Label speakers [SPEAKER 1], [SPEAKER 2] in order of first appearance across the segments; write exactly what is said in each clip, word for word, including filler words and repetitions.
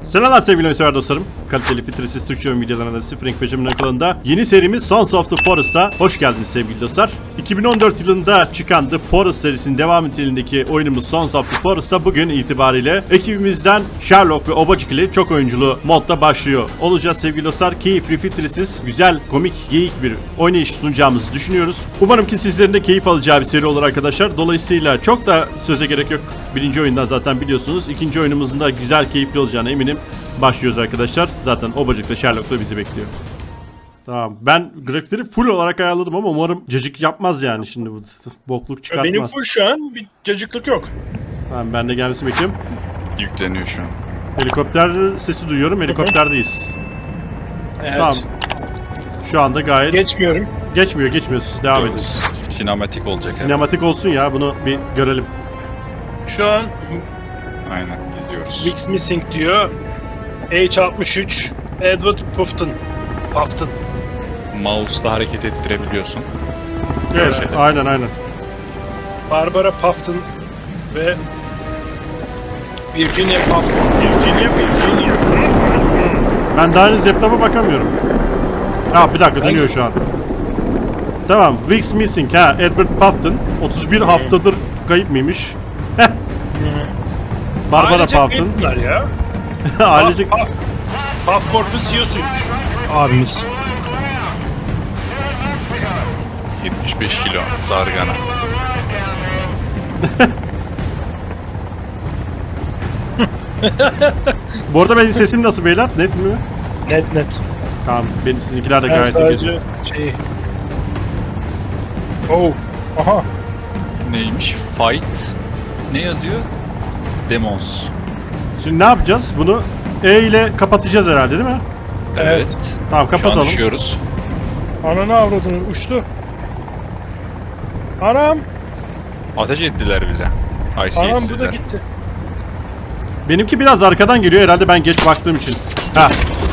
[SPEAKER 1] Selamlar sevgili oyunsever dostlarım. Kaliteli filtresiz Türkçe oyun videolarına da Sıfır Renk Becerimin kanalında yeni serimiz Sons of the Forest'a hoş geldiniz sevgili dostlar. iki bin on dört yılında çıkan The Forest serisinin devam niteliğindeki oyunumuz Sons of the Forest'a bugün itibariyle ekibimizden Sherlock ve Obacık ile çok oyunculu modda başlıyor olacağız sevgili dostlar. Keyifli, filtresiz, güzel, komik, geyik bir oynayış sunacağımızı düşünüyoruz. Umarım ki sizlerin de keyif alacağı bir seri olur arkadaşlar. Dolayısıyla çok da söze gerek yok. Birinci oyundan zaten biliyorsunuz. İkinci oyunumuzun da güzel, keyifli olacağına eminim. Başlıyoruz arkadaşlar. Zaten Obacık'la Sherlock da bizi bekliyor. Tamam. Ben grafikleri full olarak ayarladım ama umarım cacık yapmaz yani şimdi bu bokluk çıkartmaz.
[SPEAKER 2] Benim full şu an bir cacıklık yok.
[SPEAKER 1] Tamam, ben de gelmesini bekliyorum.
[SPEAKER 3] Yükleniyor şu an.
[SPEAKER 1] Helikopter sesi duyuyorum. Helikopterdeyiz.
[SPEAKER 2] Evet.
[SPEAKER 1] Tamam. Şu anda gayet...
[SPEAKER 2] Geçmiyorum.
[SPEAKER 1] Geçmiyor, geçmiyoruz. Devam ediyoruz.
[SPEAKER 3] Sinematik olacak.
[SPEAKER 1] Sinematik olsun ya, bunu bir görelim.
[SPEAKER 2] Şu an
[SPEAKER 3] Aynen izliyoruz.
[SPEAKER 2] Wix Missing diyor. H altmış üç Edward Puffton. Puffton.
[SPEAKER 3] Mouse'la hareket ettirebiliyorsun.
[SPEAKER 1] Evet,
[SPEAKER 3] şeyler.
[SPEAKER 1] aynen aynen.
[SPEAKER 2] Barbara Puffton ve Virginia Puffton. Virginia, Virginia.
[SPEAKER 1] Ben daha henüz laptopa bakamıyorum. Ha, bir dakika, dönüyor şu an. Tamam, Wix Missing ha, Edward Puffton. otuz bir haftadır kayıp mıymış? Heh. Barbara
[SPEAKER 2] Ailecek
[SPEAKER 1] Puffton.
[SPEAKER 2] kayıplar ya.
[SPEAKER 1] Ailecek...
[SPEAKER 2] Puff, Puff, Puff Corp'un C E O'suymuş.
[SPEAKER 1] Abimiz.
[SPEAKER 3] yetmiş beş kilo zargana.
[SPEAKER 1] Bu arada benim sesim nasıl beyler? Net mi?
[SPEAKER 2] Net net.
[SPEAKER 1] Tamam, benim sizinkiler de
[SPEAKER 2] Ben
[SPEAKER 1] gayet iyi geliyor.
[SPEAKER 2] sadece şey... Oh. Aha.
[SPEAKER 3] Neymiş? Fight. Ne yazıyor? Demons.
[SPEAKER 1] Şimdi ne yapacağız? Bunu E ile kapatacağız herhalde değil mi?
[SPEAKER 3] Evet.
[SPEAKER 1] Tamam,
[SPEAKER 3] Şu an
[SPEAKER 1] kapatalım.
[SPEAKER 3] düşüyoruz.
[SPEAKER 2] Ananı avradını uçtu. Anam.
[SPEAKER 3] Ateş ettiler bize.
[SPEAKER 2] Anam bu da
[SPEAKER 3] Haysiyetsizler.
[SPEAKER 2] gitti.
[SPEAKER 1] Benimki biraz arkadan geliyor herhalde, ben geç baktığım için. Ha,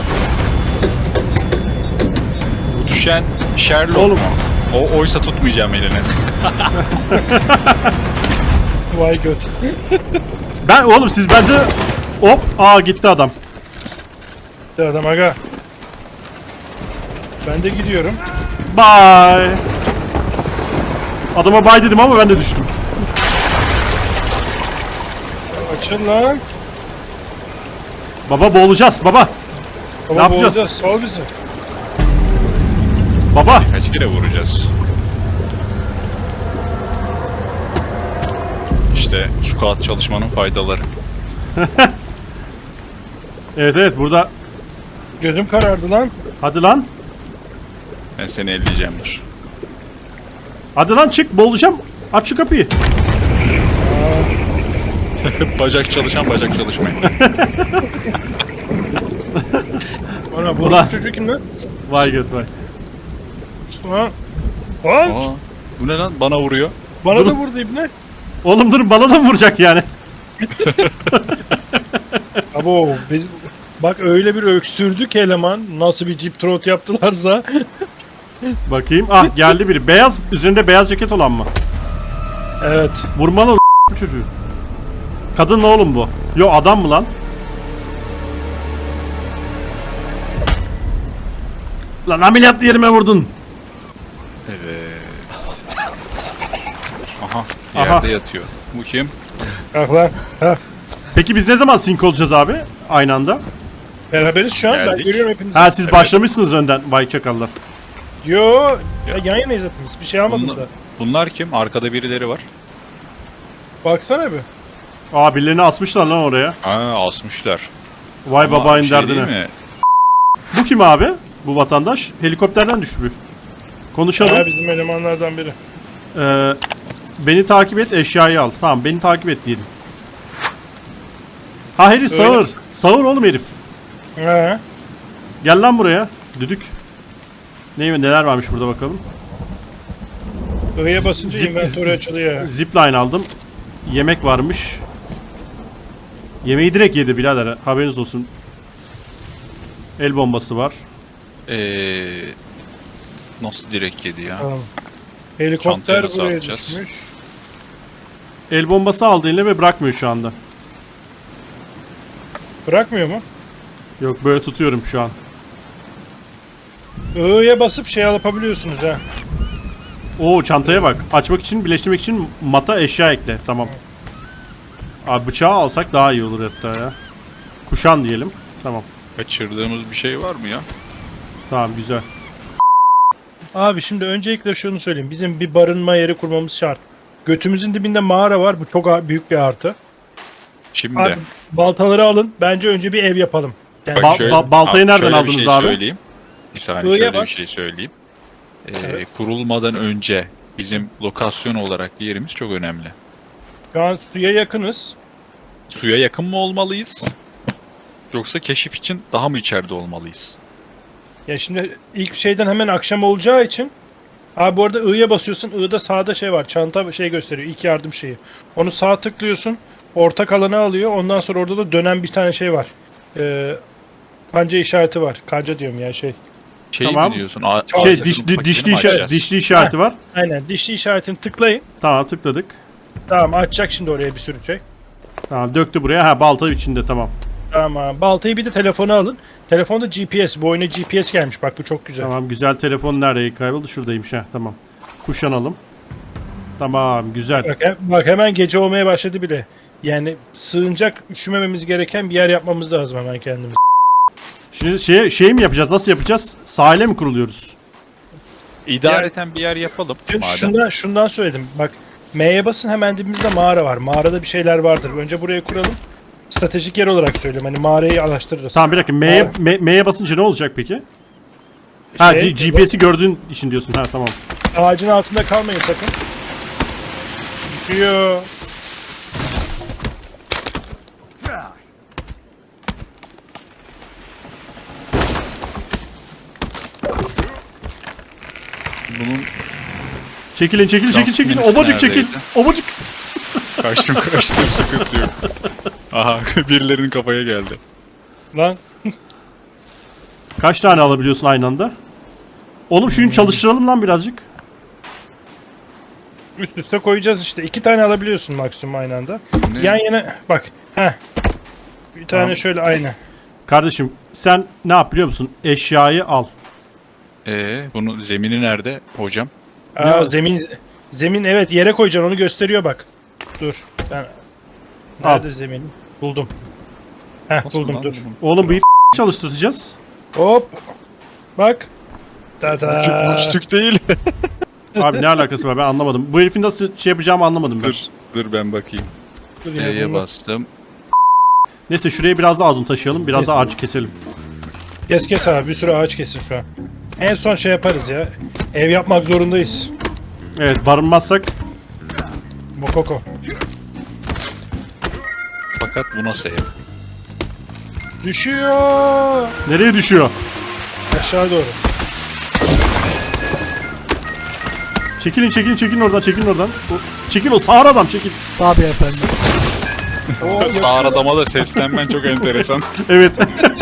[SPEAKER 3] Bu düşen Sherlock
[SPEAKER 1] Oğlum.
[SPEAKER 3] mu? O oysa tutmayacağım eline.
[SPEAKER 2] Vay göt.
[SPEAKER 1] ben oğlum siz bende hop, aa gitti adam.
[SPEAKER 2] Gitti adam aga. Ben de gidiyorum.
[SPEAKER 1] Bye. Adama bye dedim ama ben de düştüm.
[SPEAKER 2] Açıl lan.
[SPEAKER 1] Baba boğulacağız baba.
[SPEAKER 2] Baba
[SPEAKER 1] yapacağız?
[SPEAKER 2] boğulacağız, sal bizi.
[SPEAKER 1] Baba.
[SPEAKER 3] Kaç kere vuracağız? İşte squat çalışmanın faydaları.
[SPEAKER 1] Evet evet, burada.
[SPEAKER 2] Gözüm karardı lan.
[SPEAKER 1] Hadi lan.
[SPEAKER 3] Ben seni elleyeceğimdir.
[SPEAKER 1] Hadi lan çık, boğulacağım. Aç şu kapıyı.
[SPEAKER 3] Bacak çalışan bacak çalışmayın.
[SPEAKER 2] Ana bu
[SPEAKER 1] Ulan.
[SPEAKER 2] çocuk kim lan?
[SPEAKER 1] Vay göt vay.
[SPEAKER 2] Ha? Lan.
[SPEAKER 3] Aa, bu ne lan? Bana vuruyor.
[SPEAKER 2] Bana
[SPEAKER 1] Dur.
[SPEAKER 2] da vurdu ibne.
[SPEAKER 1] Oğlum durun, bana da mı vuracak yani?
[SPEAKER 2] Abo biz bak öyle bir öksürdük eleman. Nasıl bir Jeep Trot yaptılarsa.
[SPEAKER 1] Bakayım. Ah, geldi biri. Beyaz, üzerinde beyaz ceket olan mı?
[SPEAKER 2] Evet.
[SPEAKER 1] Vurmalı o çocuğu. Kadın mı oğlum bu? Yo, adam mı lan? Lan ameliyat yerime vurdun.
[SPEAKER 3] Evet. Aha,
[SPEAKER 1] Aha.
[SPEAKER 3] yerde yatıyor. Bu kim?
[SPEAKER 2] Bak lan. Ha.
[SPEAKER 1] Peki biz ne zaman sync olacağız abi? Aynı anda.
[SPEAKER 2] Beraberiz şu an. Ben
[SPEAKER 3] Geldik.
[SPEAKER 2] görüyorum hepinizi.
[SPEAKER 1] Ha, siz
[SPEAKER 3] Evet.
[SPEAKER 1] başlamışsınız önden. Vay çakallar.
[SPEAKER 2] Yo. Ya yan yanayız hepimiz. Bir şey almadım
[SPEAKER 3] Bunlar,
[SPEAKER 2] da.
[SPEAKER 3] bunlar kim? Arkada birileri var.
[SPEAKER 2] Baksana bir.
[SPEAKER 1] Aa, birilerini asmışlar lan oraya.
[SPEAKER 3] Aa, asmışlar.
[SPEAKER 1] Vay
[SPEAKER 3] Ama
[SPEAKER 1] babayın
[SPEAKER 3] bir şey
[SPEAKER 1] derdine.
[SPEAKER 3] değil mi?
[SPEAKER 1] Bu kim abi? Bu vatandaş. Helikopterden düşmüş. Konuşalım.
[SPEAKER 2] Ha bizim elemanlardan biri.
[SPEAKER 1] Ee, beni takip et, eşyayı al. Tamam, beni takip et diyelim. Ha herif
[SPEAKER 2] Öyle
[SPEAKER 1] sağır.
[SPEAKER 2] mi?
[SPEAKER 1] Sağır oğlum herif.
[SPEAKER 2] He.
[SPEAKER 1] Gel lan buraya. Düdük. Ne, neler varmış burada bakalım.
[SPEAKER 2] I'ya basınca
[SPEAKER 1] Zip-
[SPEAKER 2] inventörü açılıyor.
[SPEAKER 1] Zipline aldım. Yemek varmış. Yemeği direkt yedi birader. Haberiniz olsun. El bombası var.
[SPEAKER 3] Ee, nasıl direkt yedi ya?
[SPEAKER 2] Tamam. Helikopter
[SPEAKER 3] Çantaya nasıl
[SPEAKER 2] buraya
[SPEAKER 3] atacağız?
[SPEAKER 2] düşmüş.
[SPEAKER 1] El bombası aldı eline ve bırakmıyor şu anda.
[SPEAKER 2] Bırakmıyor mu?
[SPEAKER 1] Yok böyle tutuyorum şu an.
[SPEAKER 2] I'ya basıp şey yapabiliyorsunuz ha.
[SPEAKER 1] Oo çantaya bak. Açmak için, birleştirmek için mata eşya ekle. Tamam. Abi bıçağı alsak daha iyi olur hatta ya. Kuşan diyelim. Tamam.
[SPEAKER 3] Kaçırdığımız bir şey var mı ya?
[SPEAKER 1] Tamam güzel.
[SPEAKER 2] Abi şimdi öncelikle şunu söyleyeyim. Bizim bir barınma yeri kurmamız şart. Götümüzün dibinde mağara var. Bu çok a- büyük bir artı.
[SPEAKER 3] Şimdi
[SPEAKER 2] Abi baltaları alın. Bence önce bir ev yapalım. Yani
[SPEAKER 1] Ba- ba- baltayı nereden
[SPEAKER 3] şöyle
[SPEAKER 1] aldınız
[SPEAKER 3] bir şey
[SPEAKER 1] abi?
[SPEAKER 3] Söyleyeyim. Bir saniye
[SPEAKER 2] I'ya
[SPEAKER 3] şöyle
[SPEAKER 2] bak.
[SPEAKER 3] bir şey söyleyeyim. Ee,
[SPEAKER 2] Evet.
[SPEAKER 3] Kurulmadan önce bizim lokasyon olarak yerimiz çok önemli.
[SPEAKER 2] şu an suya yakınız.
[SPEAKER 3] Suya yakın mı olmalıyız? Yoksa keşif için daha mı içeride olmalıyız?
[SPEAKER 2] Ya şimdi ilk şeyden hemen akşam olacağı için abi bu arada I'ya basıyorsun. I'da sağda şey var. Çanta şey gösteriyor. İlk yardım şeyi. Onu sağ tıklıyorsun. Ortak alanı alıyor. Ondan sonra orada da dönen bir tane şey var. Ee, kanca işareti var. Kanca diyorum ya şey.
[SPEAKER 3] Şey
[SPEAKER 1] Tamam.
[SPEAKER 3] mi diyorsun? A-
[SPEAKER 1] Şey
[SPEAKER 3] ağaçların
[SPEAKER 1] diş, di-
[SPEAKER 3] paketini
[SPEAKER 1] dişli,
[SPEAKER 3] mi
[SPEAKER 1] işa-
[SPEAKER 3] açacağız?
[SPEAKER 1] dişli işareti var.
[SPEAKER 2] Aynen. Dişli işaretini tıklayın.
[SPEAKER 1] Tamam tıkladık.
[SPEAKER 2] Tamam açacak şimdi oraya bir sürü şey.
[SPEAKER 1] Tamam döktü buraya. Ha balta içinde tamam.
[SPEAKER 2] Tamam. Baltayı bir de telefona alın. Telefonda G P S. Bu oyuna G P S gelmiş. Bak bu çok güzel.
[SPEAKER 1] Tamam güzel telefon nereye kayboldu? Şuradaymış ha tamam. Kuşanalım. Tamam güzel.
[SPEAKER 2] Bak, he- bak hemen gece olmaya başladı bile. Yani sığınacak, üşümememiz gereken bir yer yapmamız lazım hemen kendimiz.
[SPEAKER 1] Şimdi şey, şey mi yapacağız? Nasıl yapacağız? Sahile mi kuruluyoruz?
[SPEAKER 3] İdareten bir yer yapalım.
[SPEAKER 2] Şimdi
[SPEAKER 3] Madem.
[SPEAKER 2] şundan, şundan söyledim. Bak M'ye basın hemen dibimizde mağara var. Mağarada bir şeyler vardır. Önce buraya kuralım. Stratejik yer olarak söylüyorum. Hani mağarayı araştırırız.
[SPEAKER 1] Tamam bir dakika. M'ye,
[SPEAKER 2] Abi.
[SPEAKER 1] M- M'ye basınca ne olacak peki? Ha
[SPEAKER 2] Şey,
[SPEAKER 1] G- G P S'i gördüğün için diyorsun. Ha tamam.
[SPEAKER 2] Ağacın altında kalmayın sakın. Düşüyor.
[SPEAKER 3] Bunun
[SPEAKER 1] Çekilin çekil çekil çekil.
[SPEAKER 3] menüsü
[SPEAKER 1] Obacık çekil.
[SPEAKER 3] neredeydi?
[SPEAKER 1] Obacık.
[SPEAKER 3] kaçtım kaçtım sıkıntı yok. Aha birilerinin kafaya geldi.
[SPEAKER 2] Lan.
[SPEAKER 1] Kaç tane alabiliyorsun aynı anda? Oğlum şunu çalıştıralım lan birazcık.
[SPEAKER 2] Üst üste koyacağız işte. İki tane alabiliyorsun maksimum aynı anda.
[SPEAKER 3] Ne?
[SPEAKER 2] Yan yana bak. Heh. Bir tane
[SPEAKER 1] Tamam.
[SPEAKER 2] şöyle aynı.
[SPEAKER 1] Kardeşim sen ne yap biliyor musun? Eşyayı al.
[SPEAKER 3] Ee, bunun zemini nerede hocam?
[SPEAKER 2] Aa,
[SPEAKER 1] Ne?
[SPEAKER 2] zemin zemin evet yere koyacaksın onu gösteriyor bak. Dur. Ben nerede zemin? Buldum. Heh
[SPEAKER 3] Nasıl
[SPEAKER 2] buldum
[SPEAKER 3] lan
[SPEAKER 2] dur.
[SPEAKER 3] bunun?
[SPEAKER 1] Oğlum bir çalıştıracağız.
[SPEAKER 2] Hop. Bak. Tada.
[SPEAKER 3] Uçtuk değil.
[SPEAKER 1] Abi ne alakası var ben anlamadım. Bu herifin nasıl şey yapacağımı anlamadım ben.
[SPEAKER 3] dur, dur ben bakayım.
[SPEAKER 2] Dur yine
[SPEAKER 3] E'ye
[SPEAKER 2] bunu-
[SPEAKER 3] bastım.
[SPEAKER 1] Neyse şuraya biraz daha odun taşıyalım. Biraz da ağacı keselim.
[SPEAKER 2] Kes kes abi bir sürü ağaç kesin şu an. En son şey yaparız ya. Ev yapmak zorundayız.
[SPEAKER 1] Evet barınmazsak
[SPEAKER 2] Mokoko.
[SPEAKER 3] Fakat bu nasıl ev?
[SPEAKER 2] Düşüyor.
[SPEAKER 1] nereye düşüyor?
[SPEAKER 2] Aşağı doğru.
[SPEAKER 1] Çekilin çekilin çekilin oradan çekilin oradan. O- Çekil o sağır adam çekil.
[SPEAKER 4] Tabii efendim.
[SPEAKER 2] Oo,
[SPEAKER 3] Sağır adama da seslenmen çok enteresan.
[SPEAKER 1] Evet.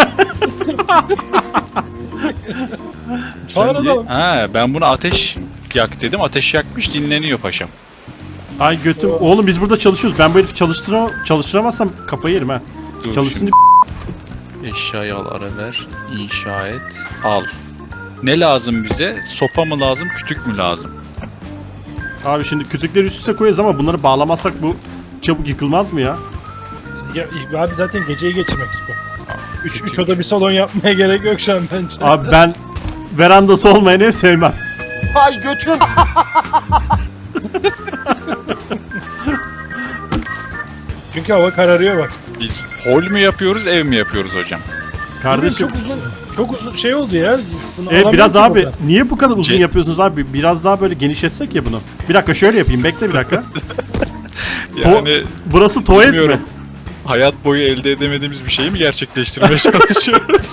[SPEAKER 2] Sağır
[SPEAKER 3] Sen niye-
[SPEAKER 2] adam.
[SPEAKER 3] Ha, ben bunu ateş yak dedim. Ateş yakmış dinleniyor paşam.
[SPEAKER 1] Ay götüm. Oğlum biz burada çalışıyoruz. Ben bu herifi çalıştıra çalıştıramazsam kafayı yerim ha.
[SPEAKER 3] Dur
[SPEAKER 1] Çalışsın
[SPEAKER 3] şimdi. Eşyayı al ara ver. İnşa et. Al. Ne lazım bize? Sopa mı lazım? Kütük mü lazım?
[SPEAKER 1] Abi şimdi kütükleri üst üste koyarız ama bunları bağlamazsak bu çabuk yıkılmaz mı ya?
[SPEAKER 2] Ya, abi zaten geceyi geçirmek istiyorum. Üç, üç
[SPEAKER 3] Kütük.
[SPEAKER 2] oda bir salon yapmaya gerek yok şu an bence.
[SPEAKER 1] Abi ben verandası olmayan ev sevmem.
[SPEAKER 4] Ay götüm.
[SPEAKER 2] Çünkü hava kararıyor bak.
[SPEAKER 3] Biz hol mü yapıyoruz, ev mi yapıyoruz hocam?
[SPEAKER 1] Kardeşim.
[SPEAKER 2] Çok uzun, çok uzun şey oldu ya. Bunu
[SPEAKER 1] E, biraz
[SPEAKER 2] alamıyorum ki
[SPEAKER 1] abi
[SPEAKER 2] buradan.
[SPEAKER 1] niye bu kadar uzun
[SPEAKER 3] Ce-
[SPEAKER 1] yapıyorsunuz abi? Biraz daha böyle genişletsek ya bunu. Bir dakika şöyle yapayım. Bekle bir dakika.
[SPEAKER 3] Yani
[SPEAKER 1] Burası tuvalet mi?
[SPEAKER 3] bilmiyorum. Hayat boyu elde edemediğimiz bir şeyi mi gerçekleştirmeye çalışıyoruz?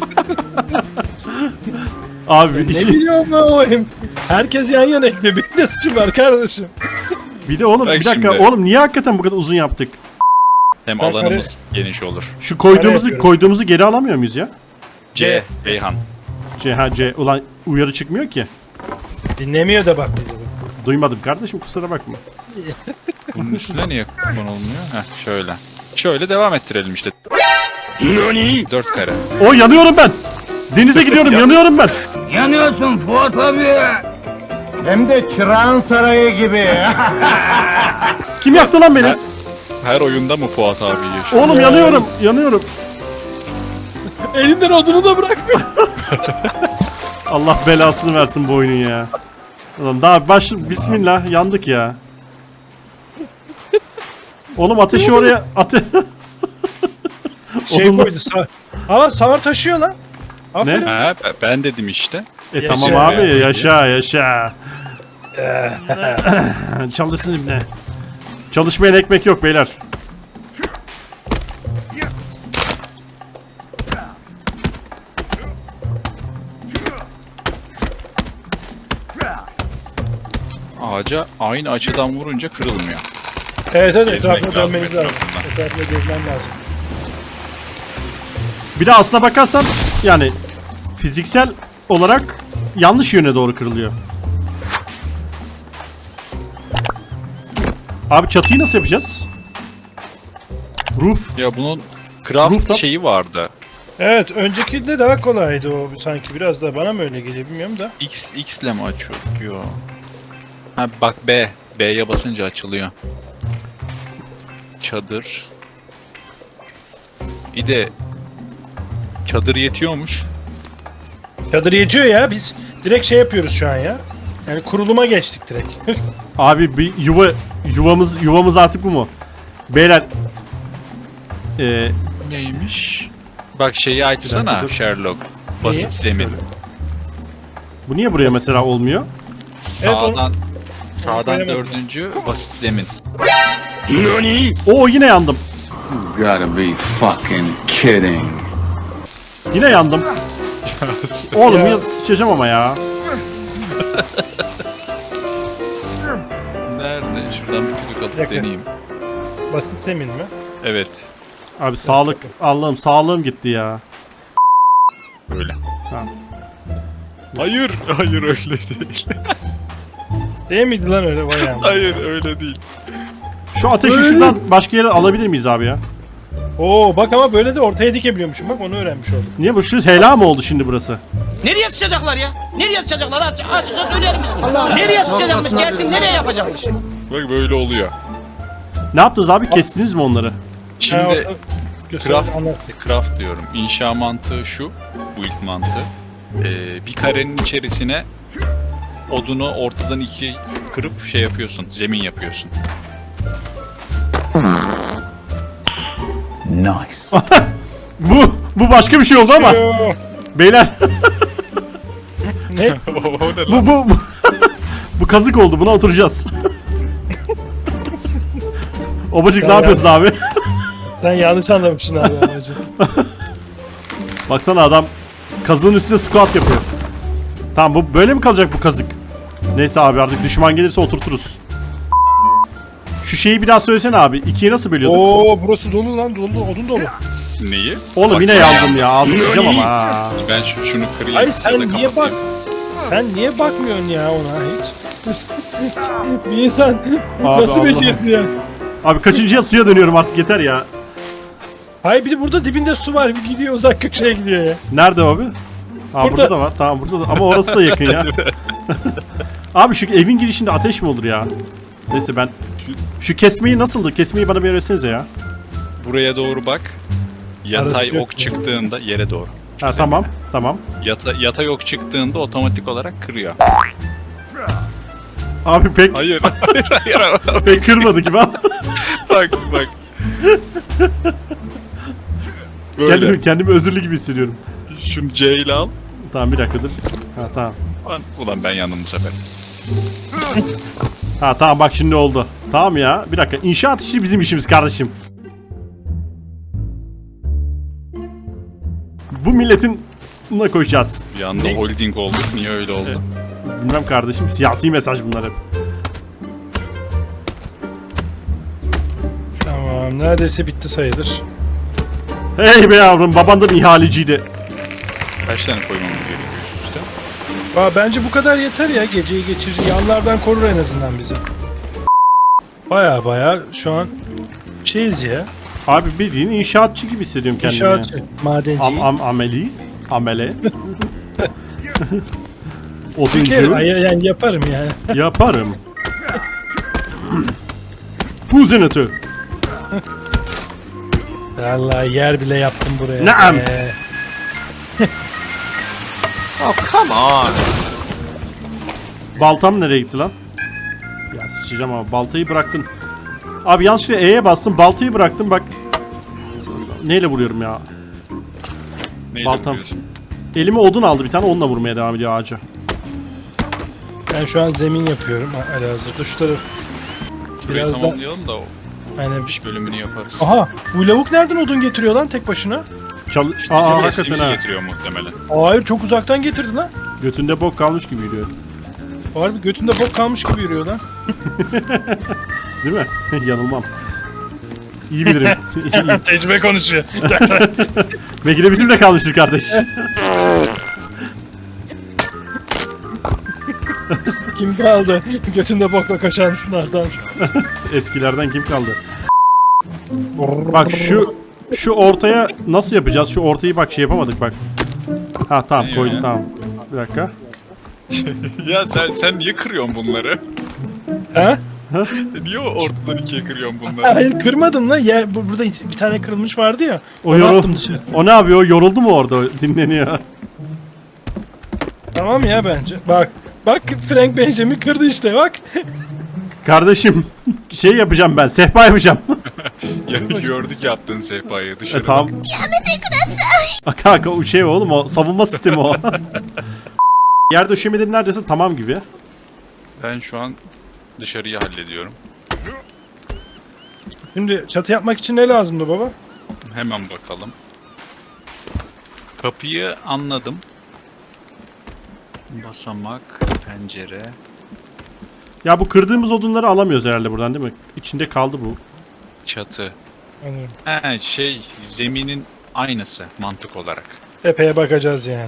[SPEAKER 1] Abi
[SPEAKER 2] Ne
[SPEAKER 1] iki-
[SPEAKER 2] biliyorum ben o hem. Herkes yan yana ekle. Benim de suçum var kardeşim.
[SPEAKER 1] bir de oğlum
[SPEAKER 3] Bak
[SPEAKER 1] bir dakika
[SPEAKER 3] şimdi.
[SPEAKER 1] oğlum niye hakikaten bu kadar uzun yaptık?
[SPEAKER 3] Hem
[SPEAKER 2] Ben
[SPEAKER 3] alanımız geniş olur.
[SPEAKER 1] Şu koyduğumuzu
[SPEAKER 2] yapıyorum.
[SPEAKER 1] koyduğumuzu geri alamıyor muyuz ya?
[SPEAKER 3] C. Beyhan.
[SPEAKER 1] C ha C ulan uyarı çıkmıyor ki.
[SPEAKER 2] Dinlemiyor da bak bizi.
[SPEAKER 1] Duymadım kardeşim kusura bakma.
[SPEAKER 3] Bunun üstüne niye konulmuyor? Heh şöyle. Şöyle devam ettirelim işte. Dört kare.
[SPEAKER 1] O yanıyorum ben. Denize gidiyorum yanıyorum ben.
[SPEAKER 5] Yanıyorsun Fuat abi. Hem de Çırağan Sarayı gibi.
[SPEAKER 1] Kim yaktı lan beni?
[SPEAKER 3] Her oyunda mı Fuat abi yaşıyor?
[SPEAKER 1] Oğlum yanıyorum yanıyorum.
[SPEAKER 2] Elinden odunu da bırakmıyor.
[SPEAKER 1] Allah belasını versin bu oyunun ya. Ulan daha baş bismillah yandık ya. Oğlum ateşi oraya ate
[SPEAKER 2] Şey
[SPEAKER 1] Odunla-
[SPEAKER 2] koydu sağ. Ama sağır taşıyor lan. Aferin.
[SPEAKER 3] Ha, be- ben dedim işte.
[SPEAKER 1] E
[SPEAKER 2] Yaşa
[SPEAKER 1] tamam
[SPEAKER 2] ya.
[SPEAKER 1] abi yaşa yaşa. Çalışsın ibne. Çalışmayan ekmek yok beyler.
[SPEAKER 3] Ağaca aynı açıdan vurunca kırılmıyor.
[SPEAKER 2] Evet evet
[SPEAKER 3] Gezmek
[SPEAKER 2] etrafına
[SPEAKER 3] lazım
[SPEAKER 2] dönmeniz lazım.
[SPEAKER 3] etrafında.
[SPEAKER 2] Etrafına gezmen lazım.
[SPEAKER 1] Bir de aslına bakarsan yani fiziksel olarak yanlış yöne doğru kırılıyor. Abi çatıyı nasıl yapacağız? Roof.
[SPEAKER 3] Ya bunun craft
[SPEAKER 1] Rooftop.
[SPEAKER 3] şeyi vardı.
[SPEAKER 2] Evet öncekinde daha kolaydı o sanki biraz da bana mı öyle geliyor bilmiyorum da.
[SPEAKER 3] X, X ile mi açıyor? Yo. Ha bak B. B'ye basınca açılıyor. Çadır. Bir de çadır yetiyormuş.
[SPEAKER 2] Çadır yetiyor ya biz direkt şey yapıyoruz şu an ya. Yani kuruluma geçtik direkt.
[SPEAKER 1] Abi bir yuva yuvamız yuvamız artık bu mu? Beyler ee,
[SPEAKER 3] Neymiş? Bak şeyi açsana
[SPEAKER 1] dur.
[SPEAKER 3] Sherlock. Basit
[SPEAKER 2] Neyi?
[SPEAKER 3] zemin.
[SPEAKER 1] bu niye buraya mesela olmuyor?
[SPEAKER 3] Sağdan sağdan
[SPEAKER 2] koyamadım.
[SPEAKER 3] dördüncü basit zemin.
[SPEAKER 1] Oo yine yandım.
[SPEAKER 6] Gotta be fucking kidding.
[SPEAKER 1] Yine yandım. Oğlum
[SPEAKER 2] Ya.
[SPEAKER 1] ya sıçacağım ama ya.
[SPEAKER 3] Nerede? Şuradan bir kütük alıp
[SPEAKER 2] Yakın.
[SPEAKER 3] deneyeyim.
[SPEAKER 2] Basit zemin mi?
[SPEAKER 3] Evet.
[SPEAKER 1] Abi sağlık Allah'ım sağlığım gitti ya.
[SPEAKER 3] Öyle.
[SPEAKER 1] Tamam.
[SPEAKER 3] Hayır, hayır öyle değil.
[SPEAKER 2] Değil miydi lan öyle bayağı?
[SPEAKER 3] Hayır öyle değil.
[SPEAKER 1] Şu ateşi
[SPEAKER 2] Öyle.
[SPEAKER 1] şuradan başka yere alabilir miyiz abi ya?
[SPEAKER 2] Oo bak ama böyle de ortaya dikebiliyormuşum bak onu öğrenmiş oldum.
[SPEAKER 1] Niye bu şu hela mı oldu şimdi burası?
[SPEAKER 7] Nereye sıçacaklar ya? Nereye sıçacaklar? Aç, açıkça söyleyelim biz bunu. Nereye sıçacakmış? Gelsin nereye yapacakmış?
[SPEAKER 3] Bak böyle oluyor.
[SPEAKER 1] Ne yaptınız abi? Kestiniz mi onları?
[SPEAKER 2] Ha,
[SPEAKER 3] Şimdi
[SPEAKER 2] orta- göster,
[SPEAKER 3] craft,
[SPEAKER 2] anlat.
[SPEAKER 3] craft diyorum. İnşa mantığı şu. Bu ilk mantığı. Ee, bir karenin içerisine odunu ortadan ikiye kırıp şey yapıyorsun. Zemin yapıyorsun.
[SPEAKER 6] Nice.
[SPEAKER 1] Bu bu başka bir şey oldu ama
[SPEAKER 2] Yo,
[SPEAKER 1] beyler
[SPEAKER 2] ne?
[SPEAKER 3] o ne
[SPEAKER 1] bu bu bu, bu kazık oldu. Buna oturacağız. Obacık ne
[SPEAKER 2] Ya,
[SPEAKER 1] yapıyorsun abi?
[SPEAKER 2] Sen yanlış anlamışsın abi amacı.
[SPEAKER 1] Baksana adam kazığın üstünde squat yapıyor. Tamam bu böyle mi kalacak bu kazık? Neyse abi artık düşman gelirse oturturuz. Şu şeyi bir daha söylesene abi. İkiye nasıl bölüyorduk?
[SPEAKER 2] Oo burası dolu lan dolu odun dolu.
[SPEAKER 3] Neyi?
[SPEAKER 1] Oğlum
[SPEAKER 3] Bak,
[SPEAKER 1] yine
[SPEAKER 3] ben
[SPEAKER 1] yandım ya. Ağzı sıçacağım ama ha.
[SPEAKER 3] Ben şu, şunu kırayım.
[SPEAKER 2] Hayır
[SPEAKER 3] ya
[SPEAKER 2] sen
[SPEAKER 3] da
[SPEAKER 2] niye bak?
[SPEAKER 3] kapatayım.
[SPEAKER 2] Sen niye bakmıyorsun ya ona hiç? Bir insan
[SPEAKER 1] Abi,
[SPEAKER 2] nasıl
[SPEAKER 1] Allah.
[SPEAKER 2] beceriyor?
[SPEAKER 1] Abi kaçıncıya suya dönüyorum artık yeter ya.
[SPEAKER 2] Hayır bir de burada dibinde su var bir gidiyor uzak köşeye gidiyor ya.
[SPEAKER 1] Nerede abi? Ha burada,
[SPEAKER 2] Burada.
[SPEAKER 1] da var. Tamam burada da ama orası da yakın ya. Abi şu evin girişinde ateş mi olur ya? Neyse ben şu kesmeyi nasıldı? Kesmeyi bana bir öğretsenize ya.
[SPEAKER 3] Buraya doğru bak. Yatay
[SPEAKER 2] Arası yok
[SPEAKER 3] ok
[SPEAKER 2] mu?
[SPEAKER 3] çıktığında yere doğru.
[SPEAKER 1] Ha tamam. Tamam.
[SPEAKER 3] Yata, yatay ok çıktığında otomatik olarak kırıyor.
[SPEAKER 1] Abi pek
[SPEAKER 3] Hayır, hayır, hayır.
[SPEAKER 1] pek kırmadı gibi ama.
[SPEAKER 3] bak, bak. Böyle.
[SPEAKER 1] kendimi, kendimi özürlü gibi hissediyorum.
[SPEAKER 3] Şunu C ile al.
[SPEAKER 1] Tamam bir dakika dur. Ha tamam.
[SPEAKER 3] Ulan, ulan ben yandım bu sefer.
[SPEAKER 1] Ha tamam bak şimdi oldu. Tamam ya. Bir dakika. İnşaat işi bizim işimiz kardeşim. Bu milletin buna koyacağız.
[SPEAKER 3] Bir anda
[SPEAKER 2] Ne?
[SPEAKER 3] holding oldu. Niye öyle oldu?
[SPEAKER 1] Evet. Bilmem kardeşim. Siyasi mesaj bunlar hep.
[SPEAKER 2] Tamam neredeyse bitti sayılır.
[SPEAKER 1] Hey be yavrum baban da bir ihaleciydi.
[SPEAKER 3] Kaç tane koymamız gerekiyor üst üste?
[SPEAKER 2] Aa, bence bu kadar yeter ya geceyi geçirir yanlardan korur en azından bizi. Baya baya şu an şeyiz ya.
[SPEAKER 1] Abi bildiğin inşaatçı gibi hissediyorum kendimi.
[SPEAKER 2] İnşaatçı, madenci.
[SPEAKER 1] Am, am, ameli. Amele.
[SPEAKER 2] Bir kere,
[SPEAKER 1] Oduncu.
[SPEAKER 2] ay- yani yaparım yani.
[SPEAKER 1] Yaparım. Buzinatı.
[SPEAKER 2] Vallahi yer bile yaptım buraya.
[SPEAKER 1] Naam.
[SPEAKER 2] Ee,
[SPEAKER 1] Baltam nereye gitti lan? Ya sıçacağım ama baltayı bıraktın. Abi yanlışlıkla E'ye bastım. Baltayı bıraktım bak. Neyle vuruyorum ya?
[SPEAKER 3] Neyle
[SPEAKER 1] Baltam.
[SPEAKER 3] vuruyorsun?
[SPEAKER 1] Elime odun aldı bir tane, onunla vurmaya devam ediyor ağaca.
[SPEAKER 2] ben şu an zemin yapıyorum. Elazığ'da şu taraf.
[SPEAKER 3] Şurayı
[SPEAKER 2] Biraz da-
[SPEAKER 3] tamamlayalım da o
[SPEAKER 2] Hani...
[SPEAKER 3] iş bölümünü yaparız.
[SPEAKER 2] Aha, bu lavuk nereden odun getiriyor lan tek başına?
[SPEAKER 1] Çal
[SPEAKER 3] İşte
[SPEAKER 1] Aa,
[SPEAKER 3] bizim
[SPEAKER 1] hakikaten
[SPEAKER 3] kestiğimizi
[SPEAKER 1] ha.
[SPEAKER 3] getiriyor muhtemelen.
[SPEAKER 2] Hayır, çok uzaktan getirdi lan.
[SPEAKER 1] Götünde bok kalmış gibi yürüyor.
[SPEAKER 2] Harbi götünde bok kalmış gibi yürüyor lan.
[SPEAKER 1] Değil mi? Yanılmam. İyi bilirim. İyi.
[SPEAKER 2] Tecrübe konuşuyor.
[SPEAKER 1] Belki de bizimle kalmıştır kardeş.
[SPEAKER 2] Kim kaldı? Götünde bokla kaçanlardan.
[SPEAKER 1] Eskilerden kim kaldı? Bak şu şu ortaya nasıl yapacağız? Şu ortayı bak şey yapamadık bak. Ha tamam
[SPEAKER 3] Ne
[SPEAKER 1] koydum
[SPEAKER 3] ya?
[SPEAKER 1] tamam. Bir dakika.
[SPEAKER 3] Ya sen sen niye kırıyorsun bunları?
[SPEAKER 2] Ha?
[SPEAKER 3] Niye ortadan ikiye kırıyorsun bunları?
[SPEAKER 2] Hayır, kırmadım lan. Yer, bu- burada bir tane kırılmış vardı ya.
[SPEAKER 1] O
[SPEAKER 2] Onu
[SPEAKER 1] yorul.
[SPEAKER 2] attım dışarı.
[SPEAKER 1] O ne yapıyor? O yoruldu mu orada? O dinleniyor.
[SPEAKER 2] Tamam ya bence. Bak. Bak Frank Benjamin kırdı işte bak.
[SPEAKER 1] Kardeşim şey yapacağım ben. Sehpa yapacağım.
[SPEAKER 3] Ya gördük yaptığın sehpayı dışarı.
[SPEAKER 1] e, tamam. Bak kanka o şey oğlum, o savunma sistemi o. Yer döşemeleri neredeyse tamam gibi.
[SPEAKER 3] Ben şu an dışarıyı hallediyorum.
[SPEAKER 2] Şimdi çatı yapmak için ne lazımdı baba?
[SPEAKER 3] Hemen bakalım. Kapıyı anladım. Basamak, pencere.
[SPEAKER 1] Ya bu kırdığımız odunları alamıyoruz herhalde buradan değil mi? İçinde kaldı bu.
[SPEAKER 3] Çatı.
[SPEAKER 2] Anladım.
[SPEAKER 3] He şey zeminin aynısı mantık olarak.
[SPEAKER 2] Epey'e bakacağız yani.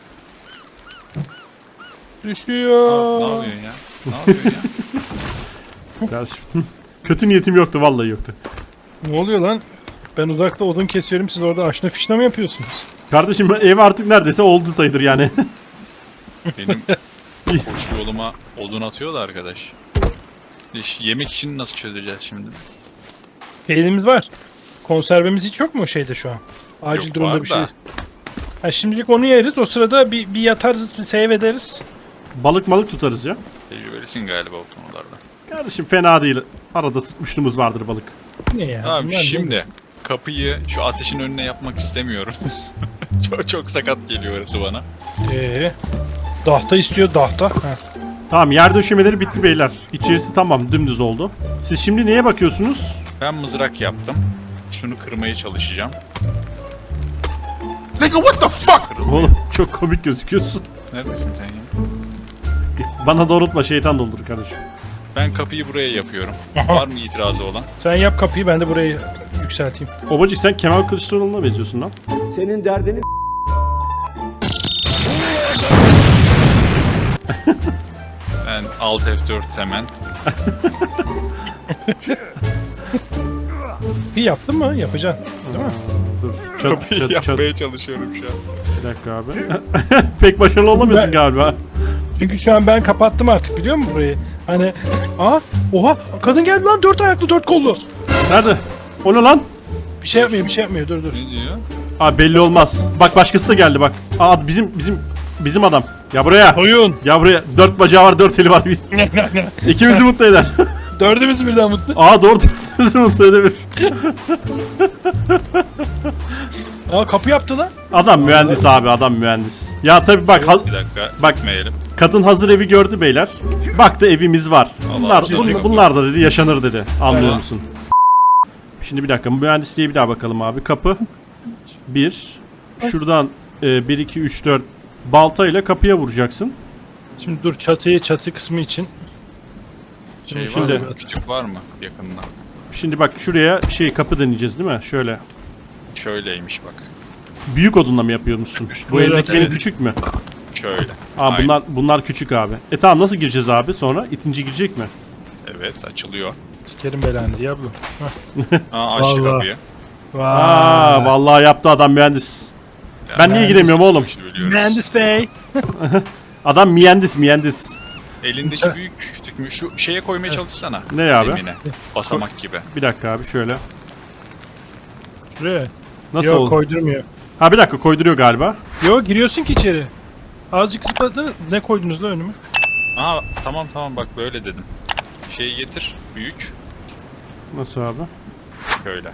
[SPEAKER 3] Aa, ne
[SPEAKER 2] Düşüyor.
[SPEAKER 3] yapıyorsun ya? Ne yapıyorsun ya?
[SPEAKER 1] Kardeşim. Kötü niyetim yoktu, vallahi yoktu.
[SPEAKER 2] Ne oluyor lan? Ben uzakta odun kesiyorum, siz orada aşna fişna mı yapıyorsunuz?
[SPEAKER 1] Kardeşim ev artık neredeyse oldu sayılır yani.
[SPEAKER 3] Benim koşu yoluma odun atıyor da arkadaş. İş, yemek için nasıl çözeceğiz şimdi?
[SPEAKER 2] Peynirimiz var. Konservemiz hiç yok mu şeyde şu an? Acil
[SPEAKER 3] Yok,
[SPEAKER 2] durumda
[SPEAKER 3] var
[SPEAKER 2] bir şey.
[SPEAKER 3] da.
[SPEAKER 2] Ha, şimdilik onu yeriz. O sırada bir, bir yatarız, bir save ederiz.
[SPEAKER 1] Balık malık tutarız ya.
[SPEAKER 3] Tecrübelisin galiba o konularda.
[SPEAKER 1] Kardeşim fena değil. Arada tutmuşluğumuz vardır balık.
[SPEAKER 2] Ne ya?
[SPEAKER 3] Tamam
[SPEAKER 2] Bunlar ne?
[SPEAKER 3] şimdi kapıyı şu ateşin önüne yapmak istemiyorum. çok çok sakat geliyor orası bana.
[SPEAKER 2] Ee, dahta istiyor dahta. Ha.
[SPEAKER 1] Tamam, yer döşemeleri bitti beyler. İçerisi tamam, dümdüz oldu. Siz şimdi neye bakıyorsunuz?
[SPEAKER 3] Ben mızrak yaptım. Şunu kırmaya çalışacağım.
[SPEAKER 4] Nigga, what the fuck?
[SPEAKER 3] Kırılmıyor.
[SPEAKER 1] Oğlum çok komik gözüküyorsun.
[SPEAKER 3] Neredesin sen ya?
[SPEAKER 1] Bana doğrultma, şeytan doldur kardeşim.
[SPEAKER 3] Ben kapıyı buraya yapıyorum.
[SPEAKER 2] Aha.
[SPEAKER 3] Var mı itirazı olan?
[SPEAKER 2] Sen yap kapıyı, ben de burayı yükselteyim.
[SPEAKER 1] Obacık sen Kemal Kılıçdaroğlu'na benziyorsun lan.
[SPEAKER 8] Senin derdini
[SPEAKER 3] Ben Alt F dört hemen.
[SPEAKER 2] Bir yaptın mı? Yapacaksın. Değil mi?
[SPEAKER 1] Dur. Çat,
[SPEAKER 3] Kapıyı
[SPEAKER 1] çat, çat.
[SPEAKER 3] yapmaya çalışıyorum şu an.
[SPEAKER 1] Bir dakika abi. Pek başarılı olamıyorsun
[SPEAKER 2] Ben-
[SPEAKER 1] galiba.
[SPEAKER 2] Çünkü şu an ben kapattım artık, biliyor musun burayı? Hani, aa, oha, kadın geldi lan, dört ayaklı, dört kollu.
[SPEAKER 1] Nerede? O ne lan?
[SPEAKER 2] Bir şey yapmıyor, bir şey yapmıyor, dur dur.
[SPEAKER 3] Ne diyor?
[SPEAKER 1] Abi belli olmaz. Bak başkası da geldi bak. Aa bizim bizim bizim adam. Ya buraya.
[SPEAKER 2] Oyun.
[SPEAKER 1] Ya buraya. Dört bacağı var, dört eli var. İkimizi mutlu eder.
[SPEAKER 2] Dördümüz birden mutlu.
[SPEAKER 1] Aa doğru, dördümüzü mutlu edebilir.
[SPEAKER 2] Aa, kapı yaptı lan.
[SPEAKER 1] Adam mühendis abi, adam mühendis. Ya tabi bak ha-
[SPEAKER 3] Bir dakika.
[SPEAKER 1] Bak.
[SPEAKER 3] Gitmeyelim.
[SPEAKER 1] kadın hazır evi gördü beyler. Baktı evimiz var. Bunlar,
[SPEAKER 3] Allah,
[SPEAKER 1] bun-
[SPEAKER 3] şey
[SPEAKER 1] bunlar da dedi yaşanır dedi. Anlıyor
[SPEAKER 3] Tamam.
[SPEAKER 1] musun? Şimdi bir dakika, mühendisliğe bir daha bakalım abi. Kapı bir. Şuradan e, bir, iki, üç, dört baltayla kapıya vuracaksın.
[SPEAKER 2] Şimdi dur, çatıyı, çatı kısmı için.
[SPEAKER 3] Şey
[SPEAKER 1] Şimdi-
[SPEAKER 3] var mı? Küçük var mı yakında?
[SPEAKER 1] Şimdi bak şuraya şey kapı deneyeceğiz değil mi? Şöyle.
[SPEAKER 3] Şöyleymiş bak.
[SPEAKER 1] Büyük odunla mı yapıyormuşsun? Bu
[SPEAKER 2] Evet,
[SPEAKER 1] eldeki
[SPEAKER 2] evet.
[SPEAKER 1] benim küçük mü?
[SPEAKER 3] Şöyle.
[SPEAKER 1] Aa
[SPEAKER 3] Aynen.
[SPEAKER 1] bunlar bunlar küçük abi. E tamam, nasıl gireceğiz abi sonra? İtinci girecek mi?
[SPEAKER 3] Evet açılıyor.
[SPEAKER 2] Sikerim belanı Diablo.
[SPEAKER 3] Aa açtı
[SPEAKER 2] Vallahi.
[SPEAKER 3] kapıyı.
[SPEAKER 1] Aa, vallahi yaptı adam mühendis. Ben niye giremiyorum oğlum?
[SPEAKER 3] İşte biliyoruz.
[SPEAKER 2] Mühendis bey.
[SPEAKER 1] Adam mühendis mühendis.
[SPEAKER 3] Elindeki büyük küçük mü? Şu şeye koymaya çalışsana.
[SPEAKER 1] Ne abi?
[SPEAKER 3] Zemine. Basamak gibi.
[SPEAKER 1] Bir dakika abi şöyle.
[SPEAKER 2] Şuraya.
[SPEAKER 1] Nasıl
[SPEAKER 2] Yok
[SPEAKER 1] oldu?
[SPEAKER 2] koydurmuyor.
[SPEAKER 1] Ha bir dakika koyduruyor galiba.
[SPEAKER 2] Yok giriyorsun ki içeri. Azıcık zıpladı. Ne koydunuz la önüme?
[SPEAKER 3] Aa tamam tamam bak böyle dedim. Şeyi getir. Büyük.
[SPEAKER 1] Nasıl abi?
[SPEAKER 3] Böyle.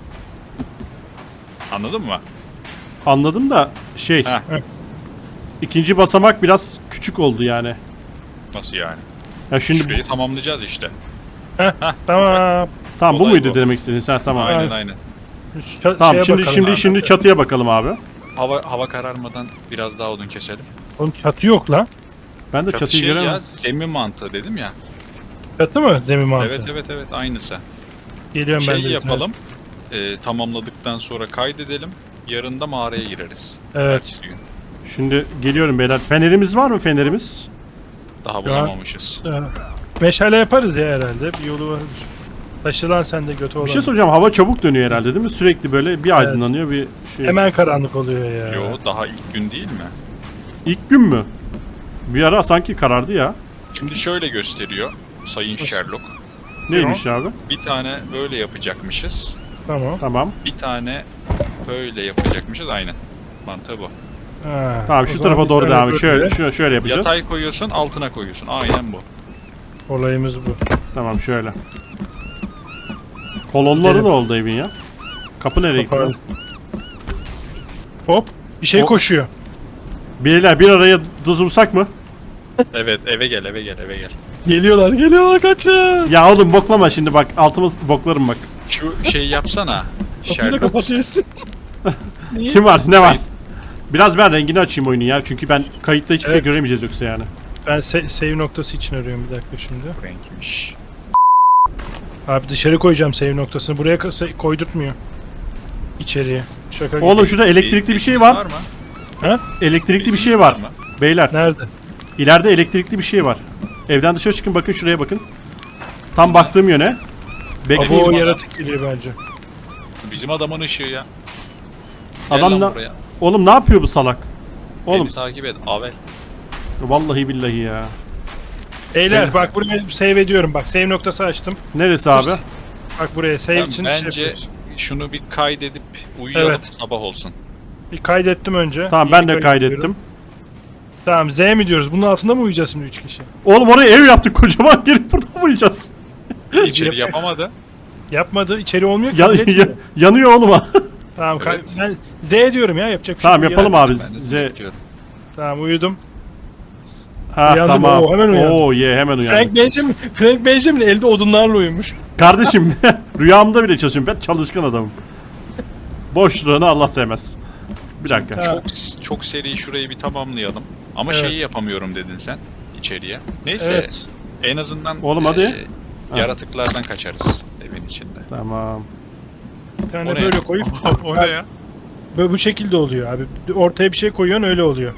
[SPEAKER 3] Anladın mı?
[SPEAKER 1] Anladım da şey.
[SPEAKER 3] Heh.
[SPEAKER 1] İkinci basamak biraz küçük oldu yani.
[SPEAKER 3] Nasıl yani?
[SPEAKER 1] Ya şimdi
[SPEAKER 3] Şurayı tamamlayacağız işte.
[SPEAKER 2] Heh, tamam.
[SPEAKER 1] tamam bu
[SPEAKER 3] olay
[SPEAKER 1] muydu
[SPEAKER 3] bu.
[SPEAKER 1] demek istediğin sen tamam.
[SPEAKER 3] Aynen
[SPEAKER 2] Aynen.
[SPEAKER 3] aynen.
[SPEAKER 2] Ç-
[SPEAKER 1] Tamam
[SPEAKER 2] şeye
[SPEAKER 1] şimdi
[SPEAKER 2] bakalım
[SPEAKER 1] şimdi
[SPEAKER 2] abi.
[SPEAKER 1] şimdi çatıya bakalım abi.
[SPEAKER 3] Hava hava kararmadan biraz daha odun keselim.
[SPEAKER 2] Onun çatı yok lan.
[SPEAKER 1] Ben de
[SPEAKER 3] Çatı
[SPEAKER 1] çatıyı
[SPEAKER 3] şey
[SPEAKER 1] göremem.
[SPEAKER 3] ya zemin mantığı dedim ya.
[SPEAKER 2] Çatı mı zemin mantığı?
[SPEAKER 3] Evet evet evet aynısı.
[SPEAKER 2] Geliyorum ben
[SPEAKER 3] Şey
[SPEAKER 2] de. bir
[SPEAKER 3] yapalım. E, tamamladıktan sonra kaydedelim. Yarın da mağaraya gireriz.
[SPEAKER 2] Evet.
[SPEAKER 3] Ertesi gün.
[SPEAKER 1] Şimdi geliyorum beyler. Fenerimiz var mı fenerimiz?
[SPEAKER 3] Daha bulamamışız.
[SPEAKER 2] tane. Ee, Meşale yaparız ya herhalde. Bir yolu vardır. Taşılan sende götü olan.
[SPEAKER 1] Bir şey soracağım. Hava çabuk dönüyor herhalde değil mi? Sürekli böyle bir aydınlanıyor bir şey.
[SPEAKER 2] Hemen karanlık oluyor ya.
[SPEAKER 3] Yo daha ilk gün değil mi?
[SPEAKER 1] İlk gün mü? Bir ara sanki karardı ya.
[SPEAKER 3] Şimdi şöyle gösteriyor Sayın Sherlock.
[SPEAKER 1] Neymiş abi?
[SPEAKER 3] Bir tane böyle yapacakmışız.
[SPEAKER 2] Tamam.
[SPEAKER 1] Tamam.
[SPEAKER 3] Bir tane böyle yapacakmışız aynen. Mantığı bu.
[SPEAKER 2] Ha,
[SPEAKER 1] Tamam
[SPEAKER 2] o
[SPEAKER 1] şu
[SPEAKER 2] zaman
[SPEAKER 1] tarafa
[SPEAKER 2] bir
[SPEAKER 1] doğru
[SPEAKER 2] tane
[SPEAKER 1] devam et.
[SPEAKER 2] böyle.
[SPEAKER 1] Şöyle, şöyle, şöyle yapacağız.
[SPEAKER 3] Yatay koyuyorsun altına koyuyorsun. Aynen bu.
[SPEAKER 2] Olayımız bu.
[SPEAKER 1] Tamam şöyle. Kolonları
[SPEAKER 2] Gidelim.
[SPEAKER 1] da oldu evin ya. Kapı nereye gitti?
[SPEAKER 2] Toparlan. Hop. Bir şey
[SPEAKER 1] Hop.
[SPEAKER 2] koşuyor.
[SPEAKER 1] Beyler bir araya dursak mı?
[SPEAKER 3] Evet eve gel eve gel eve gel.
[SPEAKER 2] Geliyorlar geliyorlar kaçın.
[SPEAKER 1] Ya oğlum boklama şimdi bak. Altımız boklarım bak.
[SPEAKER 3] Şu şeyi yapsana.
[SPEAKER 2] Kapıyı da
[SPEAKER 3] Sherlock.
[SPEAKER 2] kapatıyorsun.
[SPEAKER 1] Kim var? Ne var? Biraz ben rengini açayım oyunu ya. Çünkü ben kayıtta hiçbir şey
[SPEAKER 2] Evet.
[SPEAKER 1] göremeyeceğiz yoksa yani.
[SPEAKER 2] Ben se- save noktası için arıyorum bir dakika şimdi.
[SPEAKER 3] Renkmiş.
[SPEAKER 2] Abi dışarı koyacağım save noktasını. Buraya ka- koydurtmuyor. İçeriye. Şaka gibi.
[SPEAKER 1] Oğlum şurada elektrikli bir şey var.
[SPEAKER 3] Var mı?
[SPEAKER 1] Elektrikli bir şey
[SPEAKER 3] Bilginiz
[SPEAKER 1] var.
[SPEAKER 3] mı?
[SPEAKER 1] Beyler
[SPEAKER 2] Nerede?
[SPEAKER 1] ileride elektrikli bir şey var. Evden dışarı çıkın bakın şuraya bakın. Tam baktığım yöne.
[SPEAKER 2] Abo
[SPEAKER 1] Bekleyin.
[SPEAKER 3] adam.
[SPEAKER 2] yaratık geliyor bence.
[SPEAKER 3] Bizim adamın ışığı ya.
[SPEAKER 1] Adam
[SPEAKER 3] Gel lan
[SPEAKER 1] da-
[SPEAKER 3] buraya.
[SPEAKER 1] Oğlum ne yapıyor bu salak? Oğlum
[SPEAKER 3] Beni takip et. Avel.
[SPEAKER 1] vallahi billahi ya.
[SPEAKER 2] Beyler
[SPEAKER 1] Evet.
[SPEAKER 2] bak buraya save ediyorum. Bak save noktası açtım.
[SPEAKER 1] Neresi abi?
[SPEAKER 2] Bak buraya save
[SPEAKER 3] Ben
[SPEAKER 2] için şey
[SPEAKER 3] bence
[SPEAKER 2] yapıyoruz.
[SPEAKER 3] şunu bir kaydedip uyuyalım
[SPEAKER 2] Evet.
[SPEAKER 3] sabah olsun.
[SPEAKER 2] Bir kaydettim önce.
[SPEAKER 1] Tamam
[SPEAKER 2] İyi
[SPEAKER 1] ben de
[SPEAKER 2] bir
[SPEAKER 1] kaydettim.
[SPEAKER 2] Tamam Z mi diyoruz? Bunun altında mı uyuyacağız şimdi üç kişi?
[SPEAKER 1] Oğlum oraya ev yaptık kocaman gelip burada mı uyuyacağız?
[SPEAKER 3] İçeri yapamadı.
[SPEAKER 2] Yapmadı. İçeri olmuyor ki.
[SPEAKER 1] Ya,
[SPEAKER 2] kabul
[SPEAKER 1] ya-
[SPEAKER 2] etmiyor.
[SPEAKER 1] yanıyor oğlum ha.
[SPEAKER 2] Tamam kay-
[SPEAKER 3] Evet.
[SPEAKER 2] ben Z diyorum ya yapacak bir
[SPEAKER 1] Tamam
[SPEAKER 2] şey yok.
[SPEAKER 1] yapalım abi.
[SPEAKER 3] Ben de
[SPEAKER 1] Z.
[SPEAKER 3] bekliyorum.
[SPEAKER 2] Tamam uyudum.
[SPEAKER 1] Ha
[SPEAKER 2] Uyandım,
[SPEAKER 1] tamam.
[SPEAKER 2] oo, hemen uyandım.
[SPEAKER 1] Oo ye hemen uyandım.
[SPEAKER 2] Frank Benjamin, Frank Benjamin elde odunlarla uyumuş.
[SPEAKER 1] Kardeşim rüyamda bile çalışıyorum. Ben çalışkan adamım. Boşluğunu Allah sevmez. Bir dakika.
[SPEAKER 2] Ha.
[SPEAKER 3] Çok çok seri şurayı bir tamamlayalım. Ama
[SPEAKER 2] Evet.
[SPEAKER 3] şeyi yapamıyorum dedin sen içeriye. Neyse
[SPEAKER 2] Evet.
[SPEAKER 3] en azından
[SPEAKER 1] Oğlum hadi. Ha.
[SPEAKER 3] yaratıklardan kaçarız evin içinde.
[SPEAKER 1] Tamam.
[SPEAKER 2] Bir tane
[SPEAKER 3] O ne?
[SPEAKER 2] böyle koyup
[SPEAKER 3] O ne ya?
[SPEAKER 2] böyle bu şekilde oluyor abi. Ortaya bir şey koyuyorsun öyle oluyor.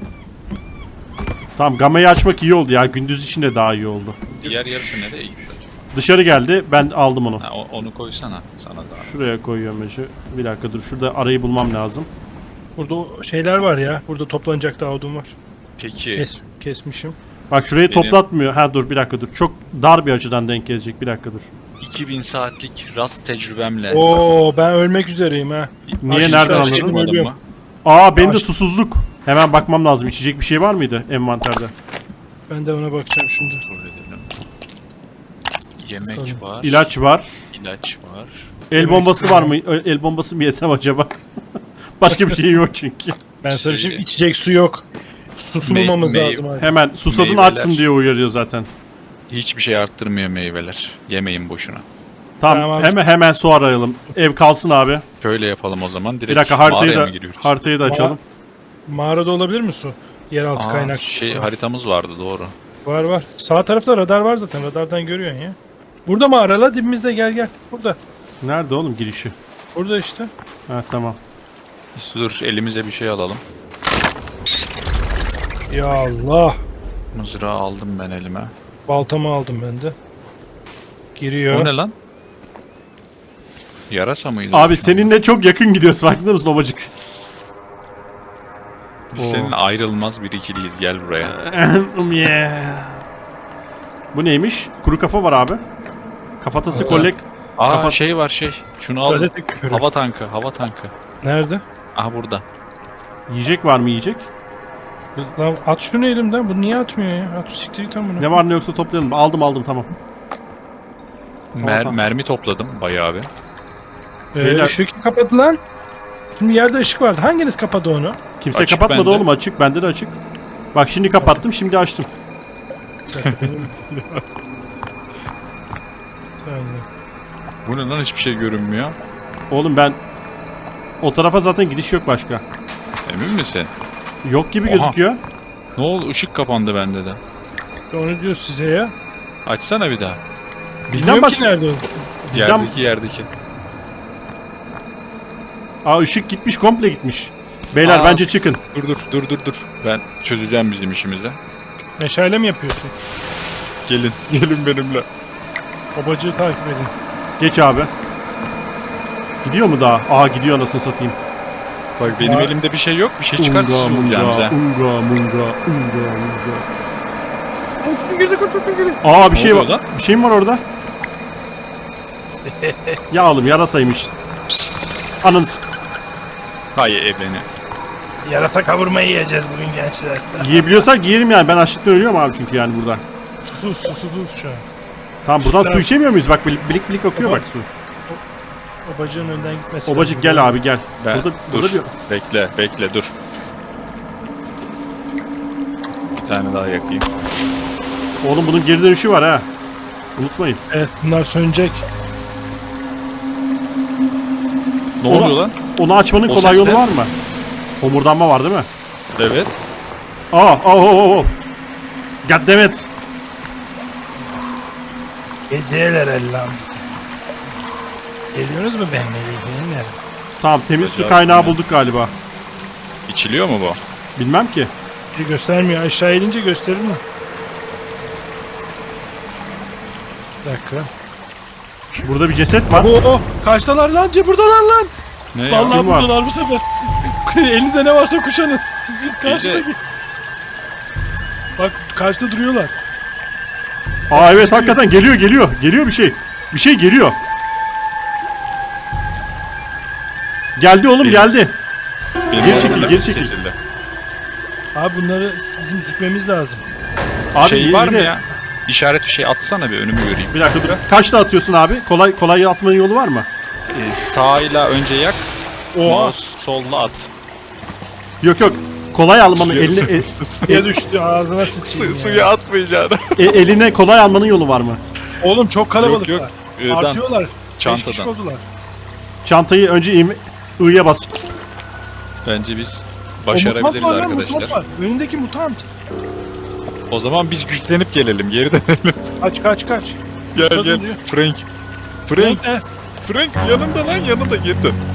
[SPEAKER 1] Tamam gamayı açmak iyi oldu ya. Gündüz için de daha iyi oldu.
[SPEAKER 3] Diğer yarısı nereye gitti acaba?
[SPEAKER 1] Dışarı geldi. Ben aldım onu.
[SPEAKER 3] Ha, o- onu koysana sana da.
[SPEAKER 1] Şuraya koyuyorum Ece. Bir dakika dur. Şurada arayı bulmam lazım.
[SPEAKER 2] Burada o şeyler var ya. Burada toplanacak daha odun var.
[SPEAKER 3] Peki
[SPEAKER 2] Kes, kesmişim.
[SPEAKER 1] Bak şurayı
[SPEAKER 3] Benim-
[SPEAKER 1] toplatmıyor. Ha dur bir dakika dur. Çok dar bir açıdan denk gelecek. Bir dakika dur.
[SPEAKER 3] iki bin saatlik rast tecrübemle
[SPEAKER 2] Oo ben ölmek üzereyim ha.
[SPEAKER 1] Niye
[SPEAKER 2] Aşağı
[SPEAKER 1] nereden
[SPEAKER 2] aşağı
[SPEAKER 1] anladın?
[SPEAKER 2] çıkmadım.
[SPEAKER 3] Çıkmadın mı?
[SPEAKER 1] Aa benim de
[SPEAKER 2] Aç.
[SPEAKER 1] susuzluk. Hemen bakmam lazım. İçecek bir şey var mıydı envanterde?
[SPEAKER 2] Ben de ona bakacağım şimdi.
[SPEAKER 3] Kontrol edelim. Yemek var.
[SPEAKER 1] İlaç var.
[SPEAKER 3] ilaç var.
[SPEAKER 1] El bombası var mı? Ö- El bombası mı yesem acaba? Başka bir şey yok çünkü.
[SPEAKER 2] Ben sana bir şey
[SPEAKER 3] Şey-
[SPEAKER 2] içecek su yok. Su
[SPEAKER 3] Mey-
[SPEAKER 2] bulmamız
[SPEAKER 3] mey-
[SPEAKER 2] lazım abi.
[SPEAKER 1] Hemen susadın
[SPEAKER 3] Meyveler.
[SPEAKER 1] açsın diye uyarıyor zaten.
[SPEAKER 3] Hiçbir şey arttırmıyor meyveler. Yemeyin boşuna.
[SPEAKER 1] Tamam,
[SPEAKER 2] Tamam.
[SPEAKER 1] hemen hemen su arayalım. Ev kalsın abi.
[SPEAKER 3] Şöyle yapalım o zaman. Direkt
[SPEAKER 1] Bir dakika haritayı
[SPEAKER 3] mağaraya
[SPEAKER 1] da
[SPEAKER 3] mı giriyoruz?
[SPEAKER 1] haritayı da açalım.
[SPEAKER 2] Mağarada olabilir mi su? Yeraltı
[SPEAKER 3] Aa,
[SPEAKER 2] kaynak.
[SPEAKER 3] şey haritamız vardı doğru.
[SPEAKER 2] Var var. Sağ tarafta radar var zaten. Radardan görüyorsun ya. Burada mağara la dibimizde gel gel. Burada.
[SPEAKER 1] Nerede oğlum girişi?
[SPEAKER 2] Burada işte.
[SPEAKER 1] Ha tamam.
[SPEAKER 3] Dur elimize bir şey alalım.
[SPEAKER 2] Ya Allah.
[SPEAKER 3] Mızrağı aldım ben elime.
[SPEAKER 2] Baltamı aldım ben de. Giriyor.
[SPEAKER 3] O ne lan? Yarasa mıydı?
[SPEAKER 1] Abi seninle çok yakın gidiyoruz, farkında mısın obacık?
[SPEAKER 3] Biz seninle ayrılmaz bir ikiliyiz. Gel buraya.
[SPEAKER 1] Yeah. Bu neymiş? Kuru kafa var abi. Kafatası kolek.
[SPEAKER 3] Aa
[SPEAKER 1] Kafa-
[SPEAKER 3] şey var şey. Şunu al.
[SPEAKER 2] Gazete küfürü.
[SPEAKER 3] Hava tankı, hava tankı.
[SPEAKER 2] Nerede?
[SPEAKER 3] Aha burada.
[SPEAKER 1] Yiyecek var mı yiyecek?
[SPEAKER 2] Lan at şunu elimden. Bu niye atmıyor ya? At siktir git amına.
[SPEAKER 1] Ne var ne yoksa toplayalım. Aldım aldım tamam.
[SPEAKER 3] Mer-
[SPEAKER 1] Tamam.
[SPEAKER 3] mermi topladım bayağı bir.
[SPEAKER 2] Ee,
[SPEAKER 1] Beyler-
[SPEAKER 2] ışık kapadı lan. Şimdi yerde ışık vardı. Hanginiz kapadı onu?
[SPEAKER 1] Kimse
[SPEAKER 3] Açık
[SPEAKER 1] kapatmadı
[SPEAKER 3] bende.
[SPEAKER 1] oğlum, açık. Bende de açık. Bak şimdi kapattım, şimdi açtım.
[SPEAKER 2] Benim- Saniye.
[SPEAKER 3] Bu ne lan, hiçbir şey görünmüyor.
[SPEAKER 1] Oğlum ben o tarafa zaten gidiş yok başka.
[SPEAKER 3] Emin misin?
[SPEAKER 1] Yok gibi
[SPEAKER 3] Oha.
[SPEAKER 1] gözüküyor.
[SPEAKER 3] Ne oldu? Işık kapandı bende de.
[SPEAKER 2] Onu diyor size ya.
[SPEAKER 3] Açsana bir daha.
[SPEAKER 1] Bizden
[SPEAKER 2] Bilmiyorum ki
[SPEAKER 1] başka.
[SPEAKER 2] nerede o?
[SPEAKER 1] Bizden...
[SPEAKER 3] Yerdeki yerdeki.
[SPEAKER 1] Aa ışık gitmiş, komple gitmiş. Beyler
[SPEAKER 3] Aa.
[SPEAKER 1] bence çıkın.
[SPEAKER 3] Dur dur dur dur dur. Ben çözeceğim bizim işimizi.
[SPEAKER 2] Meşale mi yapıyorsun?
[SPEAKER 3] Gelin. Gelin benimle.
[SPEAKER 2] Babacığı takip edin.
[SPEAKER 1] Geç abi. Gidiyor mu daha? Aa gidiyor, anasını satayım.
[SPEAKER 3] Bak benim
[SPEAKER 2] Aa.
[SPEAKER 3] elimde bir şey yok. Bir şey çıkarsa
[SPEAKER 1] Unga,
[SPEAKER 3] siz
[SPEAKER 1] munga,
[SPEAKER 3] olacağınız ha.
[SPEAKER 1] unga, munga, unga, munga.
[SPEAKER 2] Kurtun girdi kurtun girdi.
[SPEAKER 1] Aa bir
[SPEAKER 3] Ne
[SPEAKER 1] şey var.
[SPEAKER 3] oluyor lan?
[SPEAKER 1] Bir şey mi var orada? Ya oğlum yarasaymış. Anın s-
[SPEAKER 3] Hayır evreni.
[SPEAKER 2] Yarasa kavurmayı yiyeceğiz bugün gençler.
[SPEAKER 1] yiyebiliyorsak yiyelim yani. Ben açlıktan ölüyorum abi çünkü yani burada.
[SPEAKER 2] Susuz susuz şu an.
[SPEAKER 1] Tamam buradan su
[SPEAKER 2] Tamam.
[SPEAKER 1] içemiyor muyuz? Bak bilik bilik, bilik akıyor bak su.
[SPEAKER 2] Babacığın önden gitmesi
[SPEAKER 1] Obacık
[SPEAKER 2] lazım.
[SPEAKER 1] gel abi gel.
[SPEAKER 3] Ben,
[SPEAKER 1] Burada,
[SPEAKER 3] dur.
[SPEAKER 1] burada bir...
[SPEAKER 3] Bekle bekle dur. Bir tane daha yakayım.
[SPEAKER 1] Oğlum bunun geri dönüşü var ha. Unutmayın.
[SPEAKER 2] Evet bunlar sönecek.
[SPEAKER 3] Ne
[SPEAKER 1] Ola-
[SPEAKER 3] oluyor lan?
[SPEAKER 1] Onu açmanın
[SPEAKER 3] O
[SPEAKER 1] kolay
[SPEAKER 3] ses
[SPEAKER 1] yolu
[SPEAKER 3] ne?
[SPEAKER 1] var mı? Homurdanma var değil mi?
[SPEAKER 3] Evet.
[SPEAKER 1] Aa, oh, oh, oh. Goddammit.
[SPEAKER 2] Geceler Allah'ım. Geliyorsunuz mu benimle ilgili?
[SPEAKER 1] Tamam temiz su
[SPEAKER 3] Ya,
[SPEAKER 1] kaynağı
[SPEAKER 3] ya.
[SPEAKER 1] bulduk galiba.
[SPEAKER 3] İçiliyor mu bu?
[SPEAKER 1] Bilmem ki.
[SPEAKER 2] Bir göstermiyor. Aşağı inince gösterir mi? Bir dakika.
[SPEAKER 1] Burada bir ceset var.
[SPEAKER 2] Oo, kaçtalar lan? Buradalar lan.
[SPEAKER 3] Ne ya?
[SPEAKER 2] Vallahi
[SPEAKER 1] Kim var?
[SPEAKER 2] buradalar bu sefer. Elinize ne varsa kuşanın. Karşıdaki. Bak karşıda duruyorlar.
[SPEAKER 1] Aa evet hakikaten geliyor geliyor. Geliyor bir şey. Bir şey geliyor. Geldi oğlum
[SPEAKER 3] Benim-
[SPEAKER 1] geldi.
[SPEAKER 3] Benim
[SPEAKER 1] Geri çekil,
[SPEAKER 3] elimde
[SPEAKER 1] geri çekil.
[SPEAKER 3] kesildi.
[SPEAKER 2] Abi bunları bizim zükmemiz lazım.
[SPEAKER 1] Abi
[SPEAKER 3] Şey
[SPEAKER 1] yine-
[SPEAKER 3] var mı ya? İşaret bir şey atsana bir önümü göreyim.
[SPEAKER 1] Bir dakika dur. Kaçla atıyorsun abi? Kolay kolay atmanın yolu var mı?
[SPEAKER 3] Ee, sağıyla önce yak.
[SPEAKER 2] Oha.
[SPEAKER 3] Mouse solla at.
[SPEAKER 1] Yok yok. Kolay almanın
[SPEAKER 3] Suya-
[SPEAKER 1] eline e-
[SPEAKER 2] Suya düştü ağzına sıçayım
[SPEAKER 3] Su,
[SPEAKER 2] ya.
[SPEAKER 3] suya atmayacaksın.
[SPEAKER 1] e- eline kolay almanın yolu var mı?
[SPEAKER 2] Oğlum çok kalabalıklar.
[SPEAKER 3] Yok, yok. I'dan.
[SPEAKER 2] Artıyorlar. Beş kişi
[SPEAKER 3] Çantadan.
[SPEAKER 2] oldular.
[SPEAKER 1] Çantayı önce im- I'ya bas.
[SPEAKER 3] Bence biz
[SPEAKER 2] O
[SPEAKER 3] başarabiliriz
[SPEAKER 2] mutant var lan,
[SPEAKER 3] arkadaşlar.
[SPEAKER 2] mutant var. Önündeki mutant.
[SPEAKER 3] O zaman biz güçlenip gelelim. Geri dönelim.
[SPEAKER 2] Kaç kaç kaç.
[SPEAKER 3] Gel
[SPEAKER 2] Mutant
[SPEAKER 3] gel.
[SPEAKER 2] oluyor.
[SPEAKER 3] Frank. Frank.
[SPEAKER 2] Ne?
[SPEAKER 3] Frank yanında lan yanında geri dön.